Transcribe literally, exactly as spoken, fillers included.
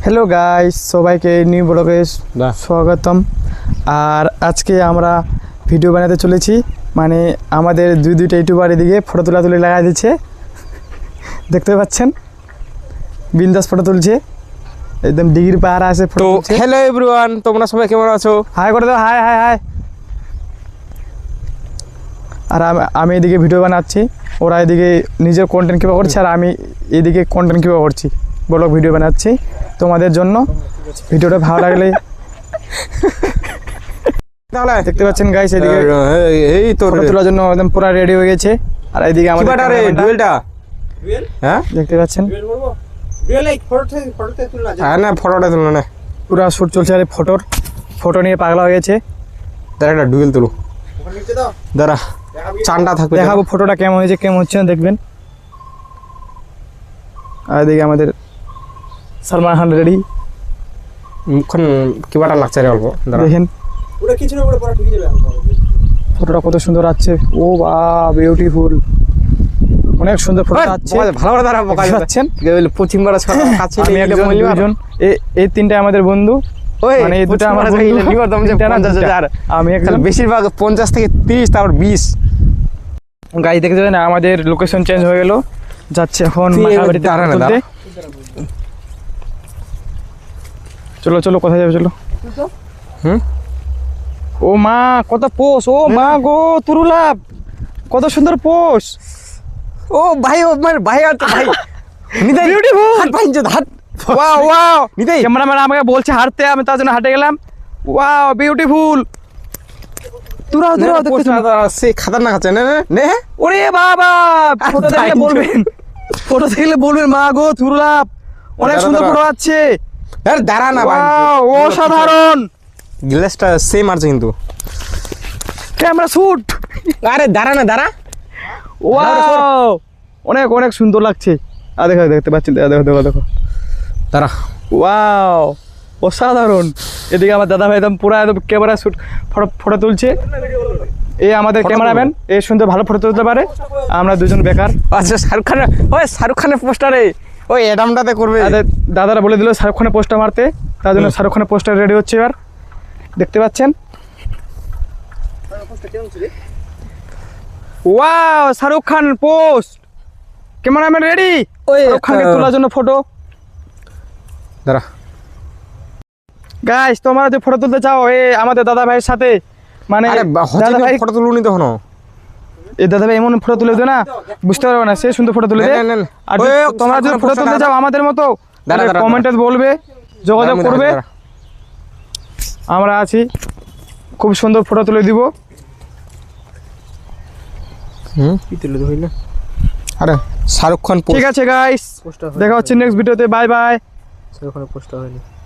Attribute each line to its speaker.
Speaker 1: Hello guys, সবাইকে new ব্লগে স্বাগতম। আর আজকে আমরা ভিডিও বানাতে চলেছি, মানে আমাদের দুই দুইটা ইউটিউবার এদিকে ফটো তোলা তুলে লাগাই দিচ্ছে, দেখতে পাচ্ছেন বিন্দাস ফটো তুলছে, একদম ডিগ্রি পাহাড় আছে ফটো তুলছে।
Speaker 2: হ্যালো এভরিওয়ান, তোমরা সবাই কেমন আছো?
Speaker 1: হাই করে দাও, হাই হাই হাই। আর আমি এদিকে ভিডিও বানাচ্ছি, ওরা এদিকে নিজের কন্টেন্ট কীভাবে করছে আর আমি এদিকে কন্টেন্ট কীভাবে করছি, ব্লগ ভিডিও বানাচ্ছি তোমাদের জন্য। ভিডিওটা ভালো লাগলে দেখতে পাচ্ছেন গাইস, এদিকে
Speaker 2: এই তো
Speaker 1: ফটো তোলার জন্য একদম পুরো রেডি হয়ে গেছে। আর এইদিকে আমাদের
Speaker 2: ডুয়েলটা, হ্যাঁ
Speaker 1: দেখতে পাচ্ছেন,
Speaker 2: হ্যাঁ না ফটোটা তুলো না,
Speaker 1: পুরো শুট চলছে। আর ফটোর ফটো নিয়ে পাগলা হয়ে গেছে।
Speaker 2: দাঁড়া একটা ডুয়েল তুলো, দাঁড়া চান্ডা থাকবে,
Speaker 1: দেখাবো ফটোটা কেমন হয়েছে কেমন হচ্ছে না দেখবেন। আর এদিকে আমাদের সালমান খান রেডি,
Speaker 2: মুখখান কিবাটা লাগছে রে অল্প,
Speaker 1: দেখেন ফটোটা কত সুন্দর আসছে। ও বা বিউটিফুল, অনেক সুন্দর ফটো আসছে।
Speaker 2: ভালো করে দাঁড়া বোকা
Speaker 1: পাচ্ছেন
Speaker 2: পশ্চিম বাড়া ছড়া কাছে
Speaker 1: আমি একজন দুইজন এই তিনটা আমাদের বন্ধু, মানে এই দুটো আমার আমি একজন
Speaker 2: বেশিরভাগ পঞ্চাশ থেকে তিরিশ তারপর বিশ
Speaker 1: গাড়ি দেখতে যাবেন। আমাদের লোকেশন চেঞ্জ হয়ে গেল, যাচ্ছে এখন মাখাবাড়িতে। চলো চলো কোথায় যাবে চলো।
Speaker 2: হুম
Speaker 1: ও মা কত পোষ, ও মা গো তুরুলাভ, কত সুন্দর পোষ।
Speaker 2: ও ভাই ও মানে ভাই আর ভাই নিতাই
Speaker 1: বিউটিফুল
Speaker 2: হাত ভাই যে হাত
Speaker 1: ওয়াও ওয়াও।
Speaker 2: নিতাই
Speaker 1: ক্যামেরাম্যান আমাকে বলছে হাঁটতে, আমি তার জন্য হাঁটে গেলাম। ওয়াও বিউটিফুল, তুরাও তুরাও দেখতে
Speaker 2: সে খাতারনাক আছে না নে।
Speaker 1: ওরে বাবা, ফটো দেখলে বলবেন, ফটো দেখলে বলবেন মা গো তুরুলাভ, অনেক সুন্দর ফটো আছে।
Speaker 2: আরে দাঁড়া না ভাই,
Speaker 1: অসাধারণ।
Speaker 2: গ্লাসটা সেম আছে কিন্তু
Speaker 1: ক্যামেরা শুট।
Speaker 2: আরে দাঁড়া না দাঁড়া,
Speaker 1: ওয়াও অনেক অনেক সুন্দর লাগছে। আর দেখো দেখতে পাচ্ছেন, দেখো দেখো দেখো
Speaker 2: দাঁড়া।
Speaker 1: ওয়াও অসাধারণ। এদিকে আমার দাদা ভাই একদম পুরো একদম ক্যামেরা শুট ফটো ফটো তুলছে। এই আমাদের ক্যামেরাম্যান, এই সুন্দর ভালো ফটো তুলতে পারে। আমরা দুজন বেকার।
Speaker 2: আচ্ছা শাহরুখ খানের, ওই শাহরুখ খানের পোস্টারে ওই অ্যাডামটাতে করবে।
Speaker 1: দাদারা বলে দিল শাহরুখ খানের পোস্টার মারতে, তার জন্য শাহরুখ খানের পোস্টার রেডি হচ্ছে। এবার দেখতে পাচ্ছেন, wow Shahrukh Khan post, cameraman ready Shahrukh খানকে তোলার জন্য ফটো।
Speaker 2: দাঁড়া
Speaker 1: গাইস, তোমরা যে ফটো তুলতে চাও এই আমাদের দাদা ভাইয়ের সাথে, মানে
Speaker 2: দাদা ভাই ফটো তুলুনি তখন
Speaker 1: এই দাদা ভাই এমন ফটো তুলে দেয় না, বুঝতে পারবে না, সে সুন্দর ফটো তুলে দেয়। আর তোমরা যদি ফটো তুলতে চাও আমাদের মতো, কমেন্টে বলবে, যোগাযোগ করবে, আমরা আছি, খুব সুন্দর ফটো তুলে দিব।
Speaker 2: হুম কি তুলে দিল? আরে শাহরুখ খান।
Speaker 1: ঠিক আছে গাইস, দেখা হচ্ছে নেক্সট ভিডিওতে। Bye bye.
Speaker 2: শাহরুখ খানের পোস্টার হয়নি।